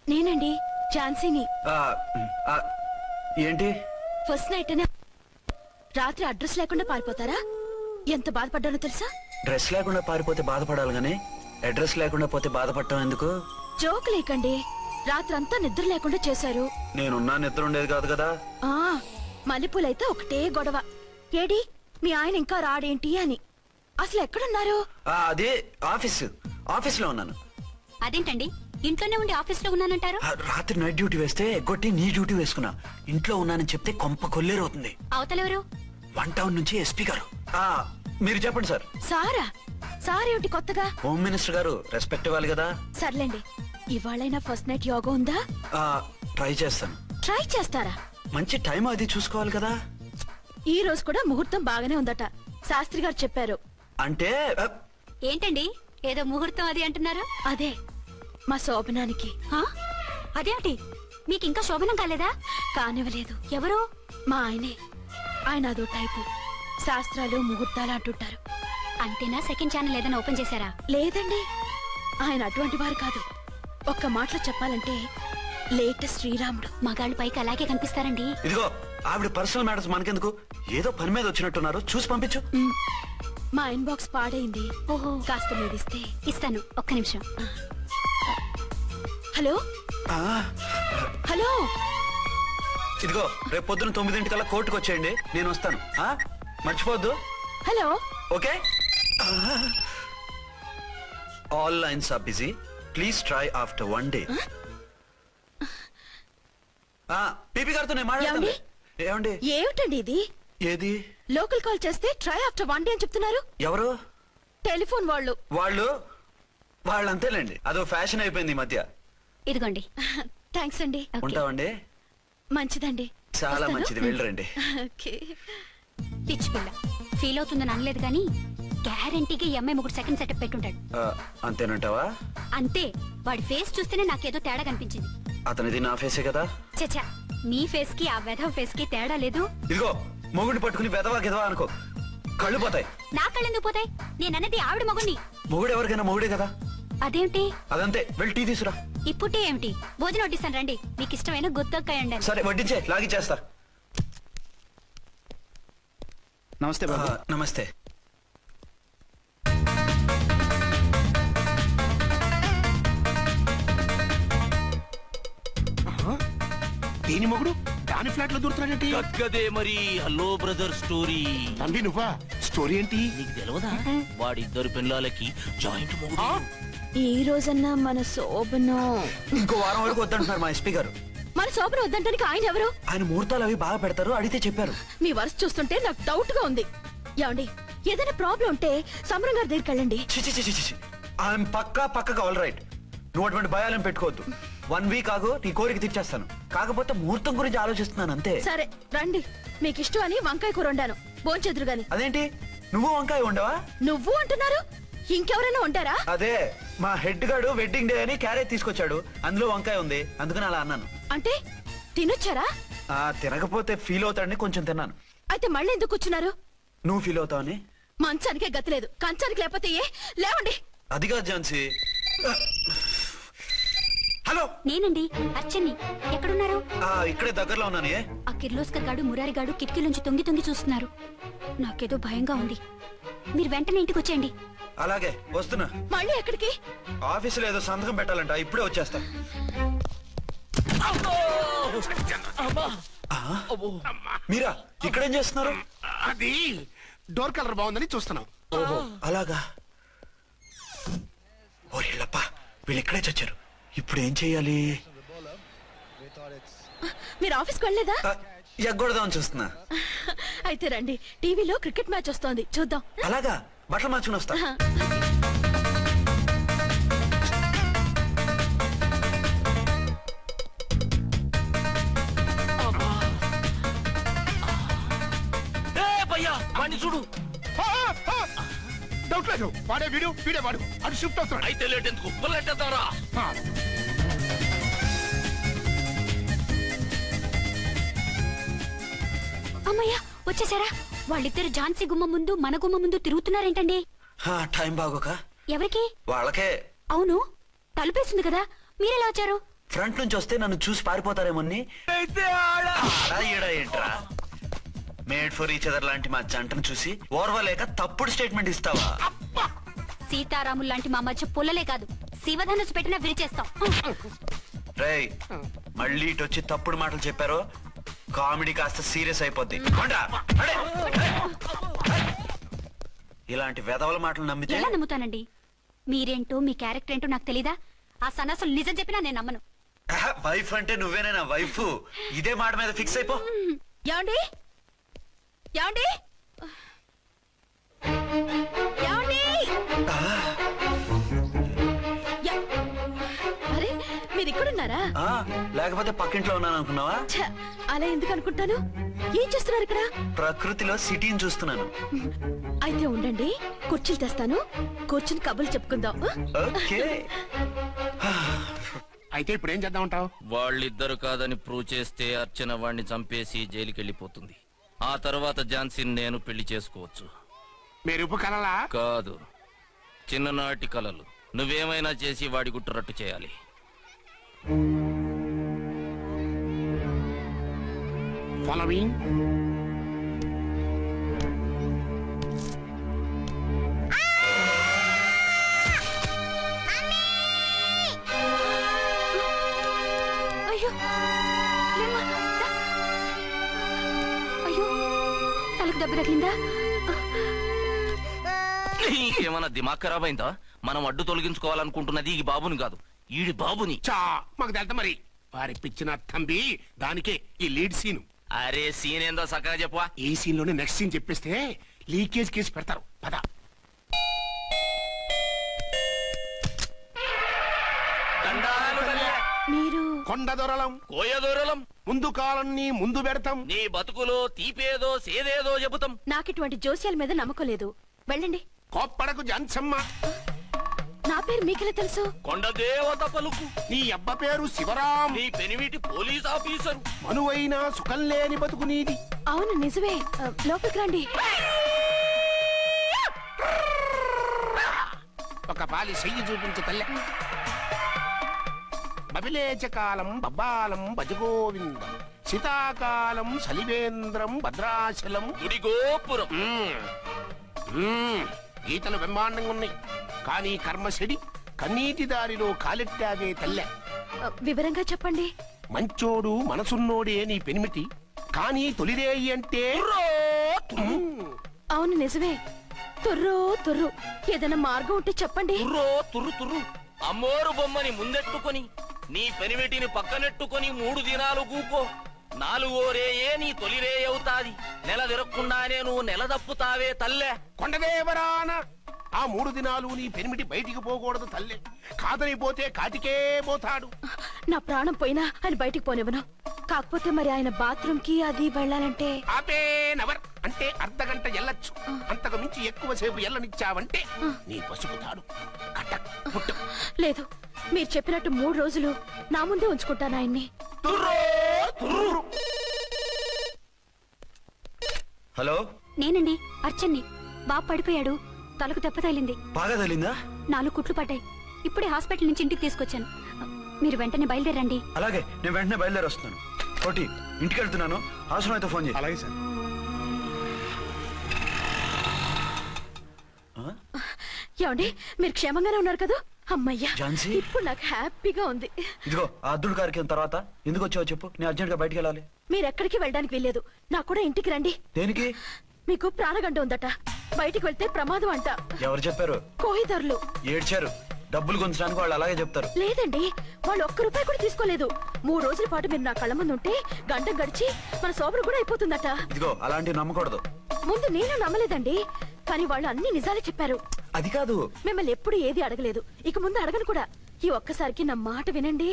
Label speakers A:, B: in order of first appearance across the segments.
A: నేనండి ఝాన్సీని.
B: ఏంటి
A: first night అని రాత్రి అడ్రస్ లేకుండా పారిపోతారా? ఎంత బాధపడ్డానో తెలుసా?
B: డ్రెస్ లేకుండా పారిపోతే బాధపడాలి గానీ అడ్రస్ లేకుండా పోతే బాధపడటం ఎందుకు?
A: జోక్ లేకండి. రాత్రంతా నిద్ర లేకుండా చేశారు.
B: నేనున్నా నిద్ర ఉండేది కాదు కదా.
A: మల్లెపూలైతే ఒకటే గొడవ. ఏడి మీ ఆయన ఇంకా రాడేంటి అని. అసలు ఎక్కడున్నారు?
B: అదే ఆఫీస్లో ఉన్నాను.
C: అదేంటండి ఇంట్లోనే ఉండి ఆఫీస్ లో ఉన్నానంటారు?
B: రాత్రి నైట్ డ్యూటీ వేస్తే ఎగ్గొట్టి నీ డ్యూటీ వేసుకున్నా. ఇంట్లో ఉన్నానని చెప్తే కొంప కొల్లేరవుతుంది.
C: అవతలెవరు?
B: 1 టౌన్ నుంచి ఎస్పీ గారు. మీరు చెప్పండి సార్.
A: సారా? సారేమిటి కొత్తగా?
B: హోమ్ మినిస్టర్ గారు, రెస్పెక్ట్ ఇవ్వాలి కదా.
A: సర్లేండి, ఇవాళైనా ఫస్ట్ నైట్ యోగా ఉందా?
B: ట్రై చేస్తాను.
A: ట్రై చేస్తారా?
B: మంచి టైం అది చూసుకోవాలి కదా.
A: ఈ రోజు కూడా ముహూర్తం బాగానే ఉందట, శాస్త్రి గారు చెప్పారు.
B: అంటే
C: ఏంటండి ఏదో ముహూర్తం అది అంటున్నారు?
A: అదే మా శోభనానికి.
C: అదేమిటి మీకు ఇంకా శోభనం కాలేదా?
A: కానివ్వలేదు.
C: ఎవరు?
A: మా ఆయనే. ఆయన అదో టైపు, శాస్త్రాలు ముహూర్తాలు అంటుంటారు.
C: అంతేనా? సెకండ్ ఛానల్ ఏదైనా ఓపెన్ చేశారా?
A: లేదండి, ఆయన అటువంటి వారు కాదు. ఒక్క మాటలో చెప్పాలంటే లేటెస్ట్ శ్రీరాముడు.
C: మగాళ్ళు పైకి అలాగే కనిపిస్తారండి.
B: ఇదిగో ఆవిడ పర్సనల్ మ్యాటర్స్ మనకెందుకు, ఏదో పని మీద వచ్చినట్టున్నారు, చూసి పంపించు.
A: మా ఇన్బాక్స్ పాడైంది.
C: ఓహో,
A: కాస్త మీరిస్తే.
C: ఇస్తాను, ఒక్క నిమిషం.
A: హలో హలో,
B: ఇదిగో రేపు పొద్దున 9 కోర్టుకు వచ్చేయండి, నేను వస్తాను. మర్చిపోద్దు.
A: Hello.
B: Okay. All lines are busy, please try after 1 day. PP గారితో నేను మాట్లాడండి. ఏమండి?
A: ఏమిటండి ఇది?
B: ఏది?
A: లోకల్ కాల్ చేస్తే ట్రై ఆఫ్టర్ 1 day అని చెప్తున్నారు.
B: ఎవరు?
A: టెలిఫోన్ వాళ్ళు.
B: వాళ్ళు అంతేలేండి, అదో ఫ్యాషన్ అయిపోయింది ఈ మధ్య.
C: ఇదిగోండి.
A: థ్యాంక్స్ అండి.
B: ఉంటామండి.
A: మంచిదండి.
B: చాలా మంచిది, వెళ్ళరండి.
C: పిచ్చి పిల్ల ఫీల్ అవుతుందని అనలేదు కానీ గ్యారంటీగా ఈ అమ్మాయి 3 సెకండ్ సెటప్ పెట్టుంటాడు.
B: అంతేనంటావా?
C: అంతే. వాడి ఫేస్ చూస్తేనే నాకేదో తేడా కనిపించింది.
B: అతనిది నా ఫేసే కదా.
C: చచ్చా, మీ ఫేస్ కి ఆ వెధవ ఫేస్ కి తేడా లేదు.
B: ఇదిగో మొగుడిని పట్టుకుని వెధవా గెదవా అనుకో, కళ్ళు పోతాయి.
C: నా కళ్ళు ఎందుకు పోతాయి? నేనన్నది ఆవిడ మొగుడిని.
B: మొగుడు ఎవరికైనా మొగుడే కదా.
C: అదేంటి?
B: అదంతే, వెళ్ళి టీ తీసురా.
C: ఇప్పుడే ఏమిటి? భోజనం వడ్డిస్తాను రండి. మీకు ఇష్టమైన గుత్తొక్కాయండి.
B: సరే వడ్డించే, లాగిచ్చేస్తా.
D: నమస్తే బాబు.
B: నమస్తే.
D: దీని మొగుడు దాని ఫ్లాట్ లో దూరుతున్నాడేంటి?
E: కదే మరి. Hello brother story.
D: తండ్రి నువ్వా? స్టోరీ ఏంటి?
E: నీకు తెలియదా? వాడిద్దరు పిల్లలకి జాయింట్ మొగుడు.
A: ఈ రోజన్నా మన శోభనం.
B: ఇంకో వారం వరకు వద్దంటున్నారు మా ఎస్పీ గారు.
A: మన శోభనం వద్దంటానికి ఆయన ఎవరు?
B: ఆయన ముహూర్తాలు అవి బాగా పెడతారు, అడిగితే చెప్పారు.
A: మీ వరుస చూస్తుంటే నాకు డౌట్ గా ఉంది. ఏమండి, ఏదైనా ప్రాబ్లం ఉంటే సమరం గారి దగ్గరికి వెళ్ళండి.
B: ఆయన పక్కగా ఆల్ రైట్. నువ్వు అటువంటి భయాలను పెట్టుకోవద్దు. 1 week ఆగు, నీ కోరిక తీర్చేస్తాను. కాకపోతే ముహూర్తం గురించి ఆలోచిస్తున్నాను అంతే.
A: సరే రండి, మీకు ఇష్టం అని వంకాయ కూర వండాను, భోంచెదురు గాని.
B: అదేంటి నువ్వు వంకాయ ఉండవా?
A: నువ్వు అంటున్నారు, ఇంకెవరైనా ఉంటారా?
B: అదే మా హెడ్ గాడు వెడ్డింగ్ డే అని క్యారేజ్ తీసుకొచ్చాడు, అందులో వంకాయ ఉంది, అందుకని అలా అన్నాను.
A: అంటే తినొచ్చారా?
B: తినకపోతే ఫీల్ అవుతాడని కొంచెం తిన్నాను.
A: అయితే మళ్ళీ ఎందుకు కూర్చున్నారు?
B: నువ్వు ఫీల్ అవుతావని.
A: మంచానికే గతి లేదు, కంచానికి లేకపోతే లేవండి.
B: అది కాదు ఝాన్సీ. హలో,
C: నేనండి అర్చన్ని. ఎక్కడున్నారు?
B: ఇక్కడే దగ్గరలో ఉన్నాను.
C: ఆ కిర్లోస్కర్ గాడు మురారి గాడు కిటికీలోంచి తొంగి చూస్తున్నారు. నాకేదో భయంగా ఉంది. మీరు వెంటనే ఇంటికి వచ్చేయండి.
B: అలాగే వస్తున్నా.
A: మళ్ళీ ఎక్కడికి?
B: ఆఫీసులో ఏదో సంతకం పెట్టాలంట, ఇప్పుడే వచ్చేస్తా. మీరా ఇక్కడేం చేస్తున్నారు?
D: అది డోర్ కలర్ బాగుందని చూస్తున్నాం.
B: ఓహో అలాగా. ఓరేళ్ళప్ప, వీళ్ళు ఇక్కడే చచ్చారు. ఇప్పుడు ఏం చెయ్యాలి?
A: మీరు ఆఫీస్కి వెళ్ళలేదా?
B: ఎగ్గొడదామని చూస్తున్నా.
A: అయితే రండి, టీవీలో క్రికెట్ మ్యాచ్ వస్తోంది, చూద్దాం.
B: అలాగా, బట్టలు మార్చుకుని వస్తా.
E: చూడు.
D: డౌట్ లేదు, వాడే వీడే వాడు. అది షిఫ్ట్ అవుతాడు.
E: అయితే లేట్ ఎందుకు, బుల్లెట్టేద్దాంరా.
C: అమ్మయ్యా, వచ్చేసారా? వాళ్ళిద్దరు ఝాన్సీ గుమ్మ ముందు మన గుమ్మ ముందు తిరుగుతున్నారేంటండి?
B: టైం బాగోక.
C: ఎవరికి?
B: వాళ్ళకే.
C: అవును, తలుపేసింది కదా, మీరెలా వచ్చారు?
B: ఫ్రంట్ నుంచి వస్తే నన్ను చూసి పారిపోతారేమోని. ఏంట్రా మేడ్ ఫర్ ఈచ్ అదర్ లాంటి మా జంటను చూసి ఓర్వలేక తప్పుడు స్టేట్మెంట్ ఇస్తావా?
C: సీతారాములు లాంటి మా మధ్య పుల్లలే కాదు, శివధనుసు పెట్టినా విరిచేస్తాం.
B: రేయ్, మళ్ళీ ఇటు వచ్చి తప్పుడు మాటలు చెప్పారో కామెడీ కాస్త సీరియస్ అయిపోద్ది. ఇలాంటి వెధవల మాటలు నమ్మితే
C: ఎలా నమ్ముతానండి? మీరేంటో మీ క్యారెక్టర్ ఏంటో నాకు తెలీదా? ఆ సన్నాసులు నిజం చెప్పినా నేను నమ్మను.
B: వైఫ్ అంటే నువ్వేనా వైఫ్? ఇదే మాట మీద ఫిక్స్ అయిపో.
A: ఏమండి ఏమండి ఏమండి? అరే మీరు ఇక్కడున్నారా?
B: లేకపోతే పక్కింట్లో ఉన్నాను అనుకున్నావా?
A: అలా ఎందుకు అనుకుంటాను? ఏం చేస్తున్నారు ఇక్కడ?
B: ప్రకృతిలో సిటీని చూస్తున్నాను.
A: అయితే ఉండండి, కుర్చీలు తెస్తాను, కూర్చుని కబుర్లు చెప్పుకుందాం.
B: ఓకే.
D: అయితే ఇప్పుడు ఏం చేద్దామంటావు?
E: వాళ్ళిద్దరు కాదని ప్రూవ్ చేస్తే అర్చన వాణ్ణి చంపేసి జైలుకి వెళ్ళిపోతుంది. ఆ తర్వాత ఝాన్సీని నేను పెళ్లి చేసుకోవచ్చు.
D: మీరు కలలా?
E: కాదు, చిన్ననాటి కలలు. నువ్వేమైనా చేసి వాడి గుట్టురట్టు చేయాలి.
D: ఫాలోయింగ్.
C: అయ్యో లేమ్మా, దా. అయ్యో తలకు దెబ్బ తగిలిందా?
E: నీకేమన్నా దిమాగ్ ఖరాబ్ అయిందా? మనం అడ్డు తొలగించుకోవాలనుకుంటున్నది ఈ బాబుని కాదు, ఈడి బాబుని.
D: చా మాకు తెలుతా మరి. వారి పిచ్చిన తంబి దానికే ఈ లీడ్ సీన్.
E: అరే సీన్ ఏందో సక్కగా చెప్పవా?
D: ఈ సీన్ లోనే నెక్స్ట్ సీన్ చెప్పేస్తే లీకేజ్ కేసు పెడతారు. పద.
A: మీరు
D: కొండ దొరలం,
E: కోయ దూరలం,
D: ముందు కాలన్నీ ముందు పెడతాం.
E: నీ బతుకులో తీపేదో సేదేదో చెబుతాం.
A: నాకిటువంటి జోస్యాల మీద నమ్మకం లేదు. వెళ్ళండి.
D: కోప్పడకు జాన్సమ్మ.
A: నా పేరు మీకెలా తెలుసు?
E: కొండ దేవత పలుకు.
D: నీ అబ్బ పేరు శివరాం.
E: నీ పెనిమిటి పోలీస్ ఆఫీసరు.
D: మనువైనా సుఖం లేని బతుకు నీది.
A: అవును నిజమే. లోపలికి రండి.
D: ఒక పాలి చెయ్యి చూపించు తల్లె. బబిలేచకాలం బబ్బాలం భజగోవిందం, శీతాకాలం సలివేంద్రం భద్రాచలం.
E: గుడి గోపురం.
D: గీతలు బ్రహ్మాండంగా ఉన్నాయి, కానీ కర్మశడి కన్నీటి దారిలో కాలెట్టావే తల్లె.
A: వివరంగా చెప్పండి.
D: మంచోడు మనసున్నోడే నీ పెనిమిటి, కానీ తొలిరేయి అంటే
A: అవును నిజమే. తుర్రో తుర్రు. ఏదైనా మార్గం ఉంటే చెప్పండి.
E: తుర్రో తుర్రు తుర్రు. అమ్మోరు బొమ్మని ముందెట్టుకొని నీ పెనిమిటిని పక్కనెట్టుకొని 3 దినాలు గూకో. 4వ రేయే నీ తొలి రే అవుతాది. నెల తిరగకుండానే నువ్వు నెల తప్పుతావే తల్లే.
D: కొండదేవరాన ఆ 3 దినాలు నీ పెనిమిటి బయటికి పోకూడదు తల్లే. కాదని పోతే కాటికే పోతాడు.
A: నా ప్రాణం పోయినా ఆయన బయటికి పోనివ్వను. కాకపోతే మరి ఆయన బాత్రూమ్ కి అది వెళ్ళాలంటే
D: ఆపేనవర్ అంటే అర్ధగంట ఎల్లొచ్చు. అంతకు మించి ఎక్కువసేపు ఎల్లనిచ్చావంటే నీ పసుపు తాడు కటక్ పుట్టు.
A: లేదు, మీరు చెప్పినట్టు 3 రోజులు నా ముందే ఉంచుకుంటాను ఆయన్ని.
B: హలో,
C: నేనండి అర్చన్ని. బాబు పడిపోయాడు, తలకు దెబ్బ తగిలింది.
B: బాగా తగిలిందా?
C: 4 కుట్లు పడ్డాయి. ఇప్పుడే హాస్పిటల్ నుంచి ఇంటికి తీసుకొచ్చాను. మీరు వెంటనే బయలుదేరండి.
B: అలాగే, నేను వెంటనే బయలుదేరి వస్తున్నాను. కోటి, ఇంటికి వెళ్తున్నాను. అవసరం అయితే ఫోన్ చేయి.
D: అలాగే సార్.
A: ఏమండి, మీరు క్షేమంగానే ఉన్నారు కదా? అమ్మయ్యా,
B: ఝాన్సీ?
A: ఇప్పుడు నాకు హ్యాపీగా ఉంది.
B: ఇదిగో ఆ అద్దుడు కార్యక్రమం తర్వాత ఎందుకు వచ్చావో చెప్పు. నేను అర్జెంట్ గా బయటికి వెళ్ళాలి.
A: మీరు ఎక్కడికి వెళ్ళడానికి వెళ్ళలేదు. నాకు కూడా ఇంటికి రండి.
B: దేనికి?
A: మీకు ప్రాణగంట ఉందట. బయటికి వెళ్తే ప్రమాదం అంట.
B: ఎవరు చెప్పారు?
A: కోహిదర్లు
B: ఏడ్చారు. డబ్బులు గుంచడానికి వాళ్ళు అలాగే చెప్తారు.
A: లేదండి, వాళ్ళు ₹1 కూడా తీసుకోలేదు. 3 రోజుల పాటు మీరు నా కళ్ళ ముందు ఉంటే గంట గడిచి మన సోబరు కూడా అయిపోతుందట.
B: ఇదిగో అలాంటివి నమ్మకూడదు.
A: ముందు నేను నమ్మలేదండి, కానీ వాళ్ళు అన్ని నిజాలే చెప్పారు.
B: అది కాదు,
A: మిమ్మల్ని ఎప్పుడు ఏది అడగలేదు, ఇక ముందు అడగను కూడా. ఈ ఒక్కసారికి నా మాట వినండి.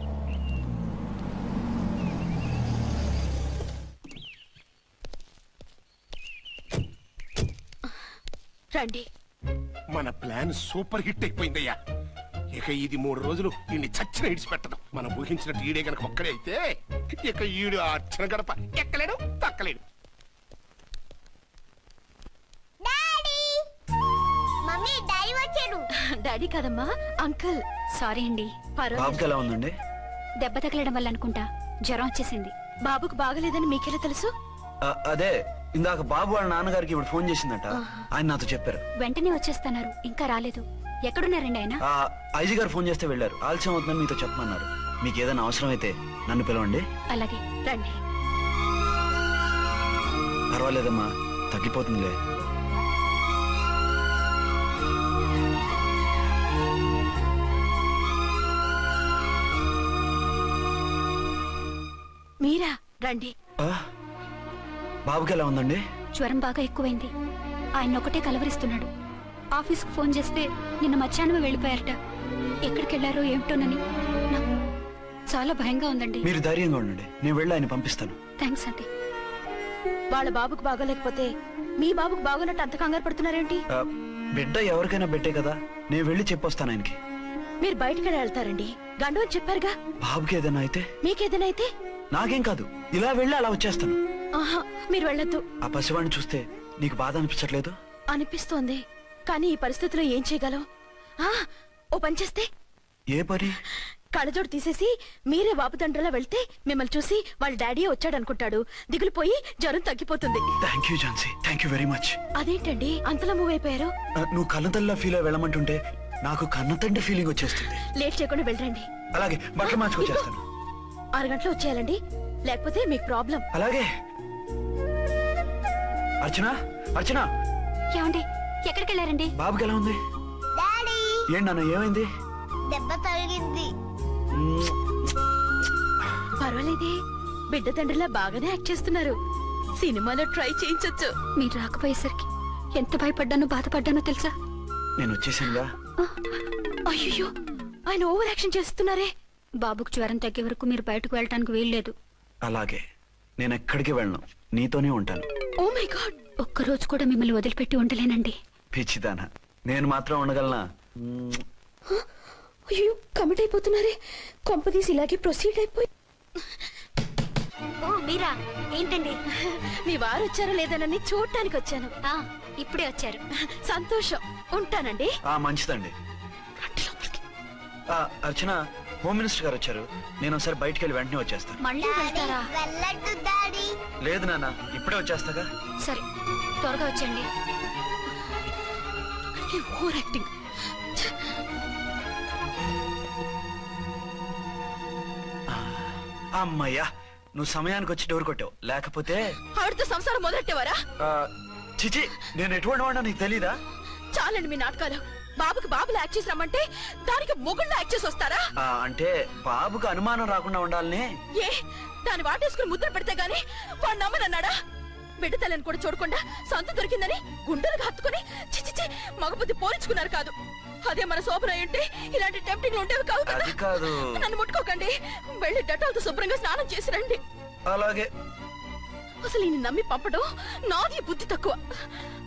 A: రండి.
D: మన ప్లాన్ సూపర్ హిట్ అయిపోయిందయ్యా. ఇక ఇది 3 రోజులు ఈయన్ని చచ్చిన ఇడిచిపెట్టదు. మనం ఊహించినట్టు ఈడే గనక ఒక్కడే అయితే ఇక ఈడు ఆ అర్చన గడప ఎక్కలేడు, తక్కలేడు.
A: డాడీ కాదమ్మా, అంకుల్.
C: సారీ అండి.
B: బాబుకి ఎలా ఉందండి?
C: దెబ్బ తగలడం వల్ల అనుకుంటా జ్వరం వచ్చేసింది.
A: బాబుకు బాగలేదని మీకెలా తెలుసు?
B: అదే ఇందాక బాబు వాళ్ళ నాన్నగారికి ఇప్పుడు ఫోన్ చేసిందట. ఆయన నాతో చెప్పారు.
C: వెంటనే వచ్చేస్తున్నారు, ఇంకా రాలేదు. ఎక్కడున్నారండి ఆయన?
B: ఐజీ గారు ఫోన్ చేస్తే వెళ్ళారు. ఆలస్యం అవుతుందని మీతో చెప్పమన్నారు. మీకు ఏదైనా అవసరం అయితే నన్ను పిలవండి.
C: అలాగే
A: రండి.
B: పర్వాలేదమ్మా, తగ్గిపోతుందిలే.
A: మీరా? రండి.
B: బాబుకి ఎలా ఉందండి?
C: జ్వరం బాగా ఎక్కువైంది. ఆయన ఒకటే కలవరిస్తున్నాడు. ఆఫీస్కు ఫోన్ చేస్తే నిన్న మధ్యాహ్నమే వెళ్ళిపోయారట. ఎక్కడికి వెళ్లారో ఏమిటోనని నాకు చాలా భయంగా ఉందండి.
B: మీరు ధైర్యంగా ఉండండి, నేను వెళ్ళి ఆయన పంపిస్తాను.
C: థ్యాంక్స్ అండి.
A: వాళ్ళ బాబుకు బాగోలేకపోతే మీ బాబుకు బాగోనట్టు అంత కంగారు పడుతున్నారేంటి?
B: బిడ్డ ఎవరికైనా బిడ్డే కదా, నేను వెళ్ళి చెప్పొస్తాను ఆయనకి.
A: మీరు బయటికి వెళ్తారండి, గండు అని చెప్పారుగా.
B: బాబుకి ఏదైనా అయితే?
A: మీకేదైనా అయితే?
B: నాకేం కాదు, ఇలా వెళ్ళి అలా వచ్చేస్తాను.
A: ఆహా, మీరు వెళ్ళొద్దు.
B: ఆ పసివాడిని చూస్తే నీకు బాధ అనిపించట్లేదు?
A: అనిపిస్తోంది, కానీ ఈ పరిస్థితిలో ఏం చేయగలం? ఓ పని చేస్తే?
B: ఏ పని?
A: కళ్ళజోడు తీసేసి మీరే బాబుదండ్రులా వెళ్తే మిమ్మల్ని చూసి వాళ్ళ డాడీ వచ్చాడనుకుంటాడు. దిగులు పోయి జ్వరం తగ్గిపోతుంది.
B: Thank you Jhansi, thank you very much.
A: అదేంటండి అంతలా మూవ్ అయిపోయారు?
B: నువ్వు కన్నతల్లిలా ఫీల్ అయి వెళ్ళమంటుంటే నాకు కన్నతండ్రి ఫీలింగ్ వచ్చేస్తుంది.
A: లేట్ చేయకుండా వెళ్ళండి.
B: అలాగే, బట్టలు మార్చుకొచ్చేస్తాను.
A: 6 గంటలు వచ్చేయాలండి, లేకపోతే మీకు ప్రాబ్లం.
B: అలాగే. అర్చన, అర్చన.
C: ఏమండి, ఎక్కడికి వెళ్ళారండి?
B: బాబుకి ఎలా ఉంది? ఏంటి నాన్న, ఏమైంది?
F: దెబ్బ తగిలింది.
A: పర్వాలేదే, బిడ్డ తండ్రిలా బాగానే యాక్ట్ చేస్తున్నారు. సినిమాలో ట్రై చేయించొచ్చు.
C: మీరు రాకపోయేసరికి ఎంత భయపడ్డానో బాధపడ్డానో తెలుసా?
B: నేను వచ్చేసానుగా.
A: అయ్యో, ఆయన ఓవర్ యాక్షన్ చేస్తున్నారే.
C: బాబుకు జ్వరం తగ్గే వరకు మీరు బయటకు వెళ్ళటానికి వీల్లేదు.
B: అలాగే, నేను ఎక్కడికి వెళ్ళను, నీతోనే ఉంటాను.
A: ఓ మై గాడ్,
C: ఒక్కరోజు కూడా మిమ్మల్ని వదిలిపెట్టి ఉండలేనండి.
B: పిచ్చిదానా, నేను మాత్రం ఉండగలనా?
A: అయ్యో, కమిట్ అయిపోతున్నారే. కొంపదీసి ఇలాగే ప్రొసీడ్ అయిపోయి.
C: ఓ మీరా, ఏంటండి?
A: మీ వారు వచ్చారో లేదనని చూడటానికి వచ్చాను.
C: ఇప్పుడే వచ్చారు.
A: సంతోషం, ఉంటానండి.
B: మంచిదండి. అర్చన, హోమ్ మినిస్టర్ గారు వచ్చారు. నేను ఒకసారి బయటికి వెళ్ళి వెంటనే వచ్చేస్తాను.
C: మళ్ళీ వెళ్తారా?
F: వెళ్ళొద్దు డాడీ.
B: లేదు నాన్న, ఇప్పుడే వచ్చేస్తాగా.
C: సరే, త్వరగా వచ్చండి.
A: Over acting.
B: అమ్మయ్యా, నువ్వు సమయానికి వచ్చి డోర్ కొట్టావు. లేకపోతే
A: ఆవిడతో సంసారం మొదలెట్టేవారా?
B: చిచి, నేను ఎటువంటి వాడినా నీకు తెలీదా?
A: చాలండి మీ నాటకాలు. బాబుకి బాబులు యాక్ట్ చేసి రమ్మంటే దానికి మొగుళ్ళు యాక్ట్ చేసి వస్తారా?
B: అంటే బాబుకు అనుమానం రాకుండా ఉండాలని.
A: ఏ, దాన్ని వాటేసుకుని ముద్ర పెడితే గాని వాడు నమ్మనన్నాడా? బిడ్డ తల్లిని కూడా చూడకుండా సొంత దొరికిందని గుండెలకు హత్తుకుని చిచిచి మగబుద్ధి పోల్చుకున్నారు కాదు. అదే మన శోభన ఉంటే ఇలాంటి టెంప్టింగ్లు ఉండేవి కావు కదా.
B: అది కాదు.
A: నన్ను ముట్టుకోకండి, వెళ్ళి డెటాల్తో శుభ్రంగా స్నానం చేసి రండి.
B: అలాగే.
A: అసలు ఈయన నమ్మి పంపడం నాది బుద్ధి తక్కువ.